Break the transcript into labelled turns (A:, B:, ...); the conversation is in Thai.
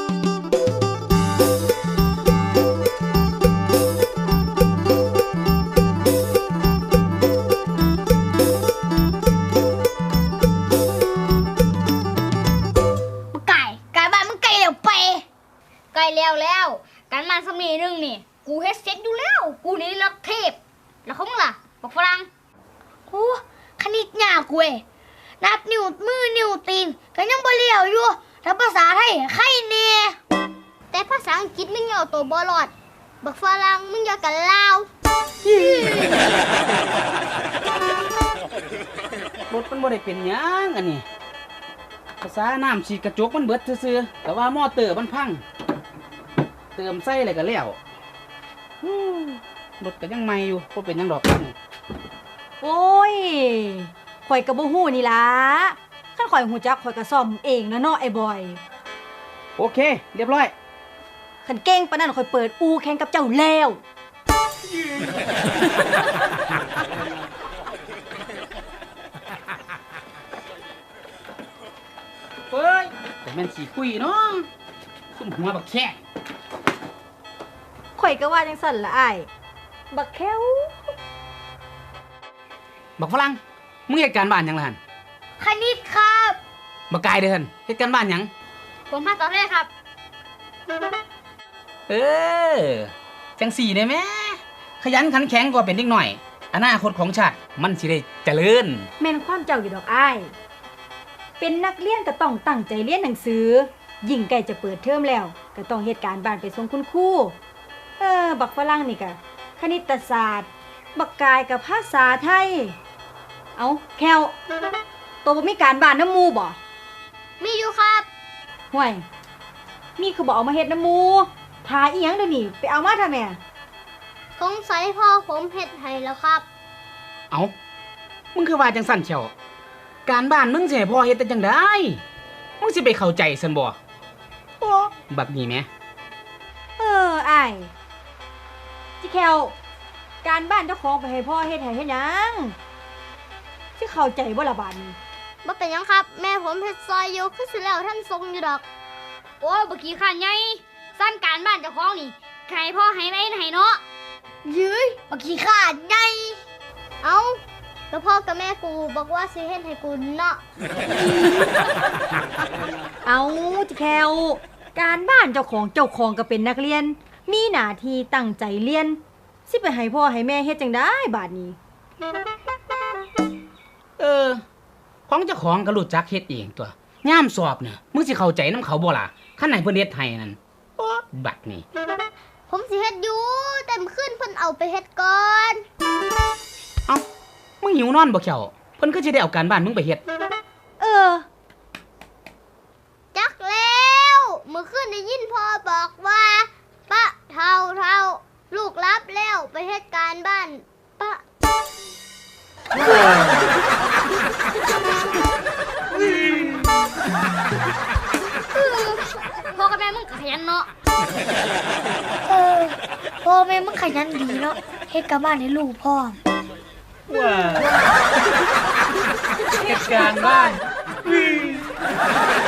A: แล้วการมาสมีนึงนี่กูเฮ็ดเสร็จอยู่แล้วกูนี่รักเทพแล้วเขาล่ะบอกฝรั่งโอ้คณิตยากเว้ยนับนิ้วมือนิ้วตีนก็ยังบ่เลี้ยวอยู่ถ้าภาษาไทยใครแน่แต่ภาษาอังกฤษมึงเอาตัวบ่รอดบักฝรั่งมึงอย่ากันลาว
B: รถมันบ่ได้เป็นหยังอันนี้ภาษาน้ำฉีดกระจกมันเบิดซื่อๆแต่ว่ามอเตอร์มันพังเติมไส้อะไรก็แล้วรถก็ยังใหม่อยู่บ่เป็นหยังดอกพัง
C: โอ้ยข่อยก็บ่ฮู้นี่ล่ะคันข่อยฮู้จักข่อยก็ซ่อมเองนะเนาะไอ้บอย
B: โอเคเรียบร้อย
C: คันเก่งปานนั้นข่อยเปิดอู่แข่งกับเจ้าแล้ว
B: เฮ้ยแต่แม่นสิคุยเนาะซุ่มหัวบักแค่
C: ข่อยก็ว่าจังซั่นล่ะอ้ายบักแค้ว
B: บักฝรั่งมึงเฮ็ดการบ้านหยังล่ะหั่น
A: คณิตครับ
B: บักกายเด้อหั่นเฮ็ดการบ้านหยัง
A: ผมมาตอบได้ครับ
B: จังสี่ได้แม่ขยันขันแข็งกว่าเป็นเด็กหน่อยอนาคตของชาติมันสิได้เจริญ
C: แม่นความเจ้าอยู่ดอกอ้ายเป็นนักเรียนก็ต้องตั้งใจเรียนหนังสือยิ่งใกล้จะเปิดเทอมแล้วก็ต้องเฮ็ดการบ้านไปส่งคุณครูบักฝรั่งนี่ก็คณิตศาสตร์บักกายกับภาษาไทยเอาแควตัวบ่มีการบ้านน้ำมูบ่
A: มีอยู่ครับ
C: ห่วยมีคือบ่เอามาเฮ็ดน้ำมูทาอีหยังเดี๋ยวนี้ไปเอามาทำแม่
A: สงสัยพ่อผมเฮ็ดให้แล้วครับ
B: เอามึงคือว่าจังสั่นเชียวการบ้านมึงสิให้พ่อเฮ็ดแต่จังได๋มึงสิไปเข้าใจซั่นบ่บักนี่แหม
C: อ้ายจิแควการบ้านเจ้าของไปให้พ่อเฮ็ดให้เฮ็ดหยังสิเข้าใจบ่ล่ะบาดนี้
A: บ่เป็นหยังครับแม่ผมเฮ็ดซอยอยู่คือสิแล้วท่านทรงอยู่ดอกโอ้ยบ่ขี้ข้านใหญ่สั่นการบ้านเจ้าของนี่ให้พ่อให้ไว้ให้เนาะยื้ยบ่ขี้ข้านใหญ่เอ้าแล้วพ่อกับแม่กูบอกว่าสิเฮ็ดให้กูเนาะ
C: เอาจิแควการบ้านเจ้าของก็เป็นนักเรียนมีหน้าที่ตั้งใจเรียนสิไปให้พ่อให้แม่เฮ็ดจังได๋บาดนี้
B: ของเจ้าของก็รู้จักเฮ็ดเองตัวยามสอบเนี่ยมึงสิเข้าใจนำเขาบ่ล่ะคันไหนเพิ่นเฮ็ดให้นั่นบัดนี้
A: ผมสิเฮ็ดอยู่แต่มื้อคืนเพิ่นเอาไปเฮ็ดก่อน
B: เอ้ามึงหิวนอนบ่แควเพิ่นคือสิได้เอาการบ้านมึงไปเฮ็ด
A: จักแล้วมื้อคืนได้ยินพ่อบอกว่าปะเท่าลูกรับแล้วไปเฮ็ดการบ้านปะพ่อกับแม่มึงขยันเนาะพ่อแม่มึงขยันดีเนาะเฮ็ดการบ้านให้ลูกพ่อ
B: ว้าเฮ็ดการบ้าน